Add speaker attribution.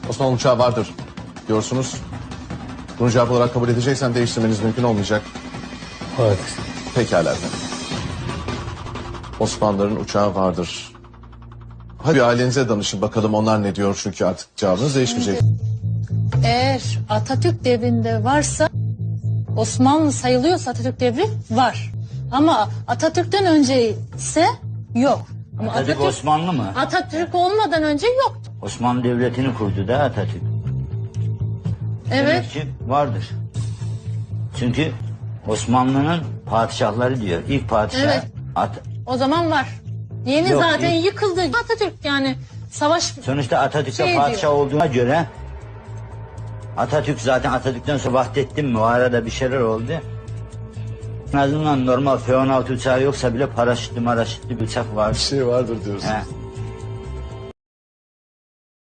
Speaker 1: Osmanlı uçağı vardır diyorsunuz. Bunu cevap olarak kabul edeceksen değiştirmeniz mümkün olmayacak.
Speaker 2: Evet.
Speaker 1: Pekala efendim. Osmanlıların uçağı vardır. Hadi bir ailenize danışın bakalım onlar ne diyor çünkü artık cevabınız değişmeyecek.
Speaker 3: Eğer Atatürk devrinde varsa, Osmanlı sayılıyorsa Atatürk devri var. Ama Atatürk'ten önce ise yok. Ama
Speaker 4: Atatürk Osmanlı mı?
Speaker 3: Atatürk olmadan önce yoktu.
Speaker 4: Osmanlı Devleti'ni kurdu da Atatürk.
Speaker 3: Evet.
Speaker 4: Demek ki vardır. Çünkü Osmanlı'nın padişahları diyor. İlk padişah
Speaker 3: Evet. O zaman var. Yeni
Speaker 4: Yok,
Speaker 3: zaten
Speaker 4: yok.
Speaker 3: yıkıldı. Atatürk yani savaş...
Speaker 4: Sonuçta Atatürk'te
Speaker 3: Şey
Speaker 4: padişah
Speaker 3: diyor.
Speaker 4: olduğuna göre Atatürk zaten Atatürk'ten sonra Vahdettin mi? O arada bir şeyler oldu. En azından normal F-16 uçağı yoksa bile paraşütlü bir uçak var.
Speaker 1: Bir şey vardır diyorsun.
Speaker 4: He.